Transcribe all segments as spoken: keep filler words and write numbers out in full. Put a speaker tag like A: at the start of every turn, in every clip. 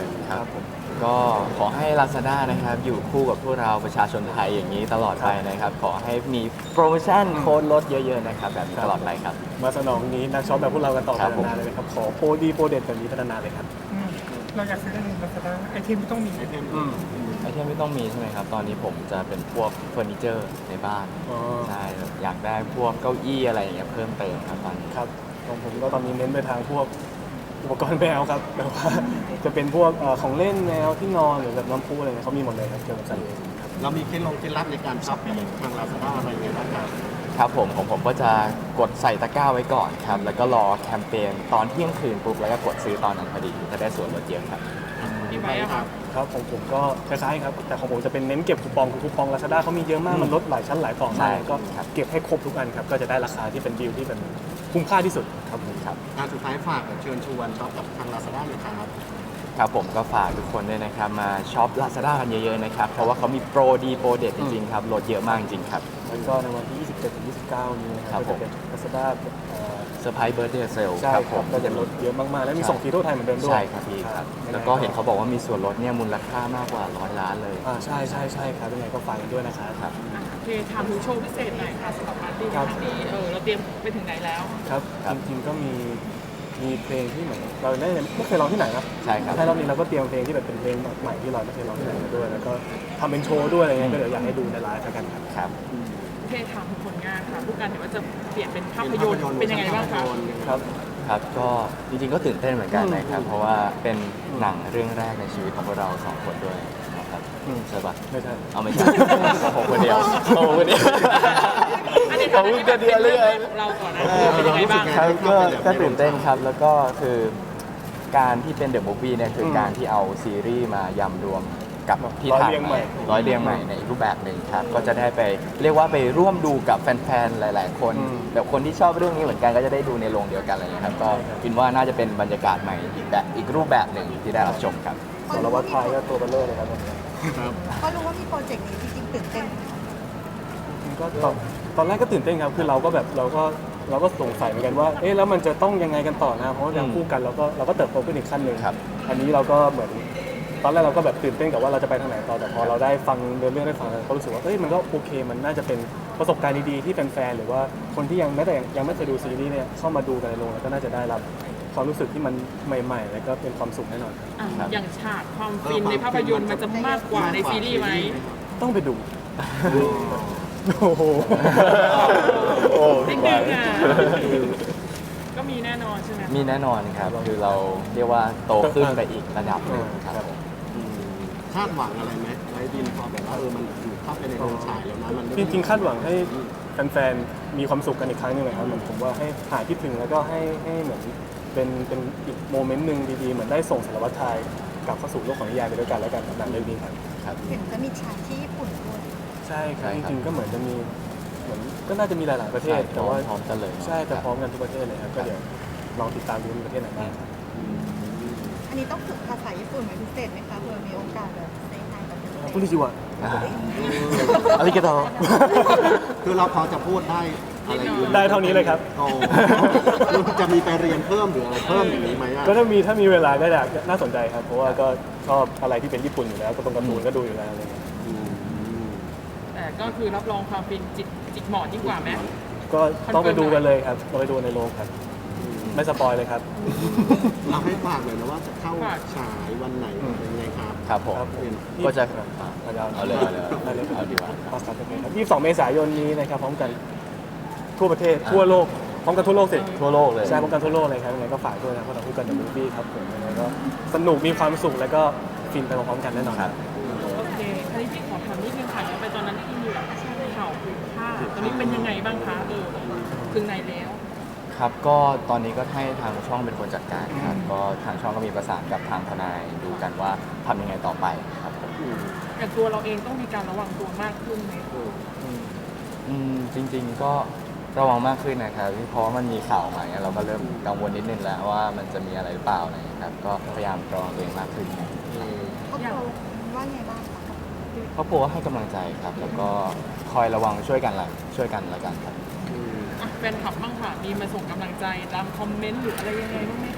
A: เลย
B: ครับผมก็ขอให้ Lazada นะครับอยู่คู่กับพวกเราประชาชนไทยอย่างนี้ตลอดไปนะครับขอให้มีโปรโมชั่นโค้ดลดเยอะๆนะครับแบบนี้ตลอดไปครับ
A: มาสนองนี้นักช็อปแบบพวกเรากันต่อไป
B: ครับผม
A: นานๆเลยนะครับขอโปรดีโปรเด็ดแบบนี้พัฒนาเลยครับ
C: อืมเราอยากซื้อได้ในลาซาด้าไอเทมที่ต้องมีไอเทม
A: อืม
B: ไอเทมไม่ต้องมีใช่ไหมครับตอนนี้ผมจะเป็นพวกเฟอร์นิเจอร์ในบ้าน
A: อ๋อ
B: ใช่อยากได้พวกเก้าอี้อะไรอย่างเงี้ยเพิ่มเติมครับตอนนี้
A: ครับของผมก็ตอนนี้เน้นไปทางพวกอุปกรณ์แมวครับแบบว่าจะเป็นพวกเอ่อของเล่นแมวที่นอนหรือแบบน้ำพุอะไรเงี้ยเขามีหมดเลยครับเกี่ยวกับสัตว์เลี้ยงครับ
D: เรามีเคล็ดลงเคล็ดลับในการช็อปทางลาซาด้าอะไรยังไงบ้างครับ
B: ครับผมของผมก็จะกดใส่ตะกร้าไว้ก่อนครับแล้วก็รอแคมเปญตอนเที่ยงคืนปุ๊บแล้วก็กดซื้อตอนนั้นพอดีจะได้ส่วนลดเยอะครับ
C: มีไหมอะครับ
A: ครับของผมก็คล้ายๆครับแต่ของผมจะเป็นเน้นเก็บคูปองคือคูปอง Lazada เขามีเยอะมากมันลดหลายชั้นหลายต่อ
B: ใช่
A: มากก็
B: ครับ
A: เก็บให้ครบทุกอันครับก็จะได้ราคาที่เป็นดีลที่เป็นคุ้มค่าที่สุดครับผมครับ
D: การสุดท้ายฝากเชิญชวนช็อปกับทางลาซาด้าเลยครับ
B: ครับผมก็ฝากทุกคนด้วยนะครับมาช็อป Lazada กันเยอะๆนะครับเพราะว่าเขามีโปรดีโปรเด็ดจริงๆครับลดเยอะมากจริงๆครับ
A: แล้วก็ในวันที่ ยี่สิบเจ็ดถึงยี่สิบเก้า นี้นะค
B: ครั
A: รับบ ก็
B: ผ
A: จะ
B: ม
A: เป็น Lazada เอ่อ
B: เซอร์ไพรส์เบิร์ดเดย์เซล
A: ใช่
B: ครับ
A: ค
B: ผ
A: รับ
B: ม
A: ก็จะลดเยอะมากๆ แล้วมีส่งฟรีทั่วไทยเหมือนเดิมด้วย
B: ใช่ครับพี่ครับ แล้วก็เห็นเขาบอกว่ามีส่วนลดเนี่ยมูลค่ามากกว่าร้อยล้านเลย
A: อ่าใช่ใช่ใช่ครับยังไงก็ฝากกันด้วยนะครับ
B: ครับ
C: โอเคถามถึงโชว์พิเศษหน่อยค่ะสำหรับปาร์ตี้ใน
A: ค
C: ครับ รั้งนี้เออเราเตรียมไปถึงไหนแล้ว
A: ครับ
B: ครับ
A: จริงๆก็มีมีเพลงที่เหมือนเราได้ไม่เคยร้องที่ไหนนะ
B: ใช่ครับ
A: ใช่รอบนี้เราก็เตรียมเพลงที่แบบเป็นเพลงใหม่ที่เราไม่เคยร้องที่ไหนมาด้วย แล้วก็ทำเป็นโชว์ด้วยอะไรเงี้ยก็เดี๋ยวอยากให้ดูในไลฟ์แล้วกันครับ
B: ครับ
C: โอเคถามถึงผลงานค่ะผู้การเห็นว่าจะเปลี่ยนเป็นภาพยนตร์เป็นยังไงบ้างคะ
A: ครับ
B: ครับก็จริงๆก็ตื่นเต้นเหมือนกันนะครับ เพราะว่าเป็นหนังเรื่องแรกในชีวิตของพวกเราสองคนด้วยนะครับ
A: อืม
B: ใช่ปะ
A: ไม่ใช่
B: เอาไม่ใช่ ผมคนเดียวผมคนเดียว
C: อันนี้
B: ผม
C: ทำ
B: คนเดียวเลย
C: เราก่อนนะคือเป็นยังไงบ้าง
B: ครับก็ก็ตื่นเต้นครับแล้วก็คือการที่เป็นเดอะมูฟวี่เนี่ยคือ
A: ม
B: การที่เอาซีรีส์มายำรวมกับที่
A: ร้อย
B: ถ่าย
A: เรียง
B: ให
A: ใหม่
B: ม่ร้อยเรียงใหม่ในอีกรูปแบบหนึ่งครับก็จะได้ไปเรียกว่าไปร่วมดูกับแฟนๆหลาย ๆ คนแบบคนที่ชอบเรื่องนี้เหมือนกันก็จะได้ดูในโรงเดียวกันอะไรอย่างเงี้ยครับก็คิดว่าน่าจะเป็นบรรยากาศใหม่อีกแบบอีกรูปแบบหนึ่งที่ได้รับชมครับ
A: สารวัตรไทยก็ตัวเบลเลอร์เลยครับวันนี้
E: ก็รู้ว่ามีโปรเจกต์นี้จริงๆตื่นเต้นไหมคะ
A: จริงๆก็ตอนตอนแรกก็ตื่นเต้นครับคือเราก็แบบเราก็เราก็สงสัยเหมือนกันว่าเอ๊ะแล้วมันจะต้องยังไงกันต่อนะเพราะว่าอย่างคู่กันเราก็เราก็เติบโตขึ้นอีกขั้นหนึ่ง
B: ครับ
A: อันนี้เราก็เหมือนตอนแรกเราก็แบบตื่นเต้นกับว่าเราจะไปทางไหนต่อแต่พอเราได้ฟังเรื่องได้ฟังเราก็รู้สึกว่าเอ้ยมันก็โอเค มันน่าจะเป็นประสบการณ์ดีๆที่แฟนๆหรือว่าคนที่ยังแม้แต่ยังไม่เคยดูซีรีส์เนี่ยเข้ามาดูกันในโรงแล้วก็น่าจะได้รับความรู้สึกที่มันใหม่ ๆ แล้วก็เป็นความสุขแน่นอนครับ
C: อ่ะอย่างฉากความฟินในภาพยนตร์มันจะมากกว่าในซีรีส์ไหม
A: ต้องไปดูโอ้โห
B: โอ้
C: นิดนึงอ่ะก็มีแน่นอนใช่ไหม
B: มีแน่นอนครับคือเราเรียกว่าโตขึ้นไปอีกระดับหนึ่งครับผม
D: คาดหวังอะไรไหมไว้ดินพอแบบว่าเออมันถูกเข้าไปในโรงฉายแล้วนะมัน
A: จริงๆคาดหวังให้แฟนๆมีความสุขกันอีกครั้งหนึงเลยครับเหมือนผมว่าให้หายคิดถึงแล้วก็ให้ให้เหมือนเป็นเป็นอีกโมเมนต์หนึ่งดีๆเหมือนได้ส่งสารวัตรไทยกลับเข้าสู่โลกของนิยายไปด้วยกันแล้วกันกับหนังเรื่องนี้ครับ
B: ครับ
E: เห็นจะมีฉากที่ญี่ปุ่นด้วย
A: ใช่ครับ
B: ใช่
A: จ
B: ครับ
A: ริงๆก็เหมือนจะมีเหมือนก็น่าจะมีหลาย ๆประเทศ
B: ใช่
A: แต่ว่า
B: พร้อมกันเลย
A: ใช่แต่
B: ครับ
A: พร้อมกันทุกประเทศเลยครับก็เดี๋ยวลองติดตามดูว่ามีประเทศไหนบ้างครับ
E: อันนี้ต้องฝึกภาษาญี่ปุ่นเป็นพิเศษไหมคะเผื่อมีโอกาสแบบในไทยกับพิเศษ
A: พูดดีจิวะ
B: อ่าอาริกาโต
D: คือเราพอจะพูดได้อะไรอยู่
A: ได้เท่านี้เลยครับ
D: โอ้จะมีไปเรียนเพิ่มหรืออะไรเพิ่มอย่างนี้ไหมอ่ะ
A: ก็ถ้ามีถ้ามีเวลาก็อยากน่าสนใจครับ เพราะว่าก็ชอบอะไรที่เป็นญี่ปุ่นอยู่แล้วก็ตรงการ์ตูนก็ดูอยู่แล้วอะไรเงี้ย
D: อืม
C: แต่ก็คือรับรองความฟินจิกจิกหมอนยิ่งกว่าไหม
A: ก็ต้องไปดูกันเลยครับเราไปดูในโรงครับ ไม่สปอยเลยครับ
D: เราให้ฝากเลยนะว่าจะเข้าฉายวันไหนเป็นยังไงครับ
B: ครับผม
A: ครับผม
B: ก็จะ
A: เอา
B: เอาเลยเอาเลย
A: เอาเลย
B: เอาดีกว่า
A: เอาครับโอเคครับยี่สิบสองเมษายนนี้นะครับพร้อมกันทั่วประเทศทั่วโลกพร้อมกันทั่วโลกสิ
B: ทั่วโลกเลย
A: ใช่พร้อมกันทั่วโลกเลยครับยังไงก็ฝากด้วยนะพวกเราคู่กันเดอะมูฟวี่ครับผมยังไงก็สนุกมีความสุขแล้วก็ฟินไปพร้อมๆกันแน่นอน
B: ครับ
C: โอเคอันนี้พี่ขอถามนิดนึงค่ะย้อนไปตอนนั้นที่มีแบบข่าวผูกผ้าตอนนี้เป็นยังไงบ้างคะเออถึงไหนแล้ว
B: ครับก็ตอนนี้ก็ให้ทางช่องเป็นคนจัดการครับก็ทางช่องก็มีประสานกับทางทนายดูกันว่าทำยังไงต่อไปครับผม
C: อย่างตัวเราเองต้องมีการระวังตัวมากขึ้นไหม
B: อืมจริง ๆก็ระวังมากขึ้นนะครับเพราะว่ามันมีข่าวออกมาเนี่ยเราก็เริ่มกังวลนิดนึงแล้วว่ามันจะมีอะไรหรือเปล่าอะไรอย่างเงี้ยครับก็พยายามระวังตัวเองมากขึ้น
E: ครอบครัวว่าไงบ้างคะ
B: ครอบครัวก็ให้กำลังใจครับ แล้วก็คอยระวังช่วยกันละช่วยกันละกันครับ
C: อ่ะแฟนคลับบ้างค่ะ มีมาส่งกำลังใจตามคอมเมนต์หรืออะไรยังไงบ้างไหมคะ
A: ใ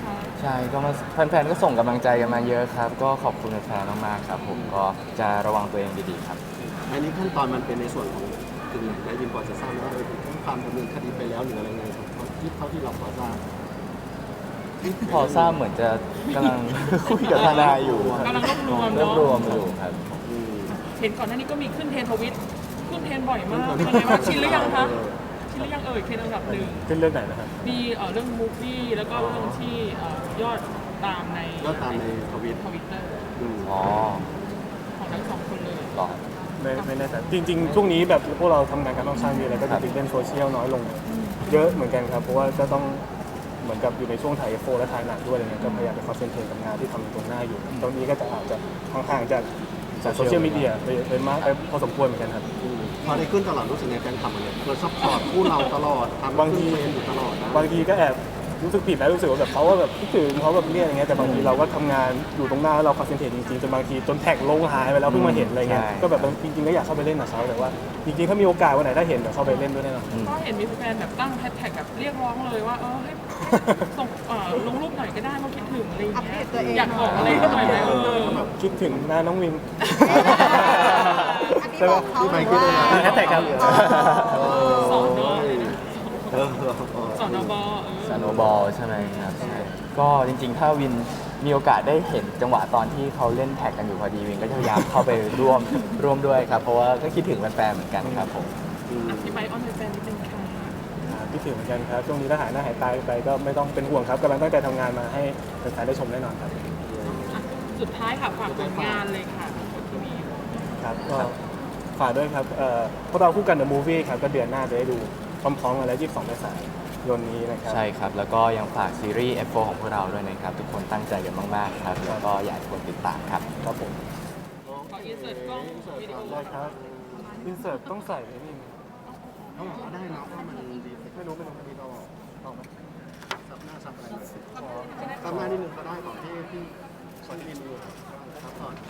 B: ใช่ก็มาแฟนๆก็ส่งกำลังใจกันมาเยอะครับ ก็ขอบคุณแฟนๆมากๆครับ ผมก็จะระวังตัวเองดีๆครับ
D: อันนี้ขั้นตอนมันเป็นในส่วนของถึงไหนนายดินพอจะทราบไหมว่าเออถึงแจ้งความดำเนินคดีไปแล้วหรืออะไรไงครับที่เท่าที่เราพอทราบ
B: พอทราบเหมือนจะกำลัง คุยกับทนายอยู่
C: กำลังรวบรวม
B: รวบ
C: เนาะ
B: รวมอยู่ครับ
D: อืม
C: เห็นก่อนหน้านี้ก็มีขึ้นเทรนด์ทวิตขึ้นเทรนด์บ่อยมากเป็นไงบ้างชินหรือยังคะชินหรือยังเอ่ยเทรนด์อันดับหนึ่ง
A: ขึ้นเรื่องไหนนะครับ
C: มีเอ่อเรื่องมูฟวี่แล้วก็เรื่องที่เอ่อยอดตามใน
D: ก็ตามในทวิต
C: ทวิตเตอร์
D: อืม
B: อ๋อ
C: ของทั้งสองคนเลย
B: หรอ
A: ไม่ไม่แน่ใจจริงๆ ช่วงนี้แบบพวกเราทำงานกันค่อนข้างเยอะแล้วก็
B: ครั
A: จะ
B: บ
A: ติดเล่นโซเชียลน้อยลง เยอะเหมือนกันครับ เพราะว่าก็ต้องเหมือนกับอยู่ในช่วงถ่ายเอฟโฟและถ่ายหนังด้วยอะไรเงี้ยก็พยายามไปคอนเซนเทรตกับงานที่ทำตรงหน้าอยู่ ตรงนี้ก็จะอาจจะห่างๆจากจากโซเชียลมีเดียไปไปมากไปพอสมควรเหมือนกันครับ
D: อืมพอได้ขึ้นตลอดรู้สึกไงแฟนคลับมันเนี่ยเราซัพพอร์ตคู่เราตลอดทำ
A: บางที
D: ขึ้นเทรนด์อยู่ตลอดนะ
A: บางทีก็แอบรู้สึกผิดนะรู้สึกว่าแบบเขาว่าแบบคิดถึงเขาแบบเนี่ยอะไรเงี้ยแต่บางทีเราก็ทำงานอยู่ตรงหน้าแล้วเราคอนเซนเทรตจริงๆจนบางทีจนแท็กลงหายไปแล้วเพิ่งมาเห็นอะไรเงี้ย
B: ใช่
A: ก็แบบจริงๆก็อยากเข้าไปเล่นกับเขาแต่ว่าจริงๆถ้ามีโอกาสวันไหนถ้าเห็นเดี๋ยวเข้าไปเล่นด้วยแน่นอน
B: อืม
C: ก็เห็นมีแฟนแบบตั้งแฮชแท็กแบบเรียกร้องเลยว่าเออให้ส่งเอ่อลงรูปหน่อยก็ได้ว่าคิดถึงอะไรอย่าง
E: อัป
C: เงี้
E: เด
C: ย
E: ตตัวเอง
C: อยากบอกอะไรก็หน่อยไหมเออ
A: คิดถึงหน้าน้องวิน
E: อันนี้บอกเขาหรือว่า
A: มีแฮชแท็กครับ
C: สอนอเลยนะ
D: เออเออเออ
C: สอนอบเอ
B: ส
C: อ
B: โนบอลใช่ไหมครับใช่ก็จริงๆ ถ้าวินมีโอกาสได้เห็นจังหวะตอนที่เขาเล่นแท็กกันอยู่พอดีวินก็จะพยายามเข้าไปร่วมร่วมด้วยครับ เพราะว่าก็คิดถึงแฟนๆเหมือนกันครับผม
C: อธิบายออนแฟนนิดนึงค่ะ
A: คิดถึงเหมือนกันครับช่วงนี้ถ้าหายหน้าหายตาไปก็ไม่ต้องเป็นห่วงครับกำลังตั้งใจทำงานมาให้แฟนๆได้ชมแน่นอนครับ
C: อ่ะสุดท้ายค่ะฝากผลงานเลยค่ะของทีวี
A: ครับก็ฝากด้วยครับเอ่อพวกเราคู่กัน The Movie ครับก็เดือนหน้าจะได้ดูพร้อมๆกันแล้วยี่สิบสองเมษายนนี้นะครับ
B: ใช่ครับ แล้วก็ยังฝากซีรีส์ เอฟ โฟร์ ของพวกเราด้วยนะครับ ทุกคนตั้งใจกันมากๆครับ แล้วก็อยากให้ทุกคนติดตามครับ
A: ครับผม
C: ขออินเสิร์ตกล้องวิดีโอ
A: ได้ครับอินเสิร์ตต้องใส่ไอ้นี่
D: เอาออกมาได้นะเพราะมันดีเทค
A: ไม่รู้ไม่รู้อันนี้เราเอาไหม
D: ซับหน้าซับอะไรเลยซับหน้านิดนึงก็ได้ก่อนที่ที่ก่อนที่วินดูซับก่อน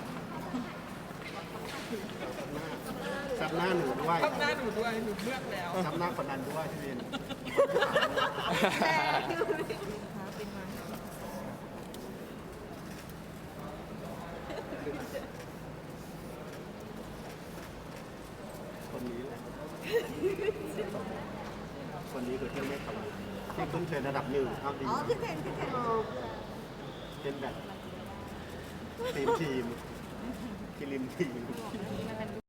D: ซับหน้าซับหน้าหนูด้วย
C: หน้าหนูด้วยหนูเลือกแล้ว
D: ซับหน้าคนนั้นด้วยพี่วิน คนนี้แหละคนนี้คือเที่ยวไม่ทำที่ขึ้นเทรนด์ระดับหนึ่งเอาดี
E: อ๋อขึ้นเทรนด์ขึ้นเทรนด์
D: เป็นแบบทีมทีมทีมทีม